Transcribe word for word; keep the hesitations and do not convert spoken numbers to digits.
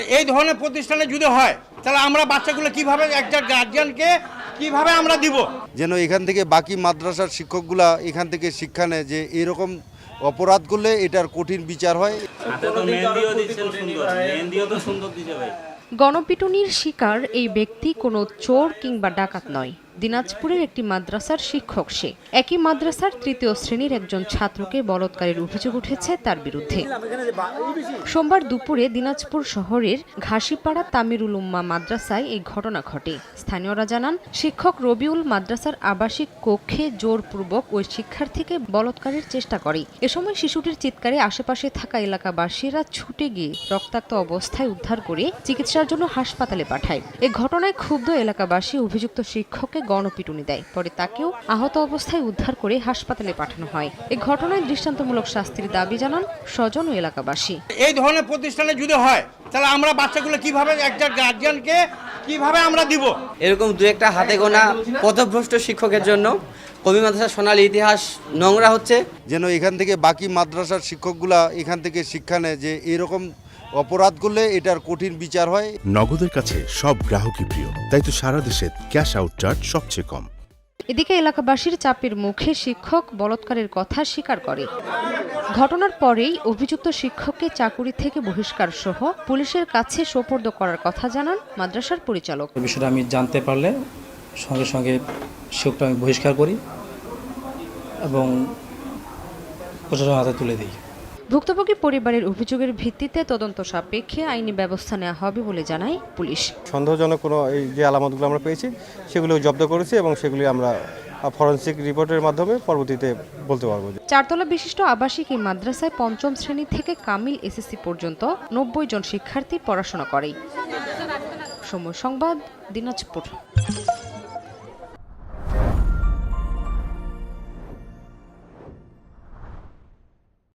এই ধরনের প্রতিষ্ঠানে যদি হয় তাহলে আমরা বাচ্চাগুলো কিভাবে একটা গার্জিয়ানকে কিভাবে আমরা দিব, যেন এখান থেকে বাকি মাদ্রাসার শিক্ষকগুলা এখান থেকে শিক্ষা নেয় যে এরকম অপরাধ করলে এটার কঠিন বিচার হয়। গণপিটুনির শিকার এই ব্যক্তি কোনো চোর কিংবা ডাকাত নয়। দিনাজপুরের একটি মাদ্রাসার শিক্ষক সে। একই মাদ্রাসার তৃতীয় শ্রেণীর একজন ছাত্রকে বলৎকারের অভিযোগ উঠেছে তার বিরুদ্ধে। সোমবার দুপুরে দিনাজপুর শহরের ঘাসিপাড়া তামিরুল উম্মা মাদ্রাসায় এই ঘটনা ঘটে। স্থানীয়রা জানান, শিক্ষক রবিউল মাদ্রাসার আবাসিক কক্ষে জোরপূর্বক ওই শিক্ষার্থীকে বলৎকারের চেষ্টা করে। এ সময় শিশুটির চিৎকারে আশেপাশে থাকা এলাকাবাসীরা ছুটে গিয়ে রক্তাক্ত অবস্থায় উদ্ধার করে চিকিৎসার জন্য হাসপাতালে পাঠায়। এ ঘটনায় ক্ষুব্ধ এলাকাবাসী অভিযুক্ত শিক্ষককে গণপিটুনি দেয়। পরে তাকেও আহত অবস্থায় উদ্ধার করে হাসপাতালে পাঠানো হয়। এ ঘটনায় দৃষ্টান্তমূলক শাস্তির দাবি জানান স্বজন ও এলাকাবাসী। এই ধরনের প্রতিষ্ঠানে যদি হয় তাহলে আমরা বাচ্চাগুলো কিভাবে একটা গার্জিয়ানকে কিভাবে আমরা দিব। এরকম দু একটা হাতে গোনা পথভ্রষ্ট শিক্ষকের জন্য কবি মাদ্রাসার সোনালী ইতিহাস নোংরা হচ্ছে। যেন এখান থেকে বাকি মাদ্রাসার শিক্ষকগুলা এখান থেকে শিক্ষা নেয় যে এরকম অপরাধ করলে এটার কঠিন বিচার হয়। নগদের কাছে সব গ্রাহকই প্রিয়, তাই তো সারা দেশে ক্যাশ আউট চার্জ সবচেয়ে কম। এদিকে এলাকাবাসীর চাপের মুখে শিক্ষক বলৎকারের কথা স্বীকার করে। ঘটনার পরেই অভিযুক্ত শিক্ষককে চাকুরি থেকে বহিষ্কার সহ পুলিশের কাছে সোপর্দ করার কথা জানান মাদ্রাসার পরিচালক। বিষয়টা আমি জানতে পারলে সঙ্গে সঙ্গে শিক্ষকটা আমি বহিষ্কার করি এবং প্রশাসনের হাতে তুলে দিই। ভুক্তভোগী পরিবারের অভিযোগের ভিত্তিতে তদন্ত সাপেক্ষে আইনি ব্যবস্থা নেওয়া হবে বলে জানায় পুলিশ। সন্দেহজনক কোনো এই যে আলামতগুলো আমরা পেয়েছি সেগুলো জব্দ করেছি এবং সেগুলি আমরা ফরেনসিক রিপোর্টের মাধ্যমে পরবর্তীতে বলতে পারবো। চারতলা বিশিষ্ট আবাসিক এই মাদ্রাসায় পঞ্চম শ্রেণী থেকে কামিল এসএসসি পর্যন্ত নব্বই জন শিক্ষার্থী পড়াশোনা করে। সময় সংবাদ, দিনাজপুর।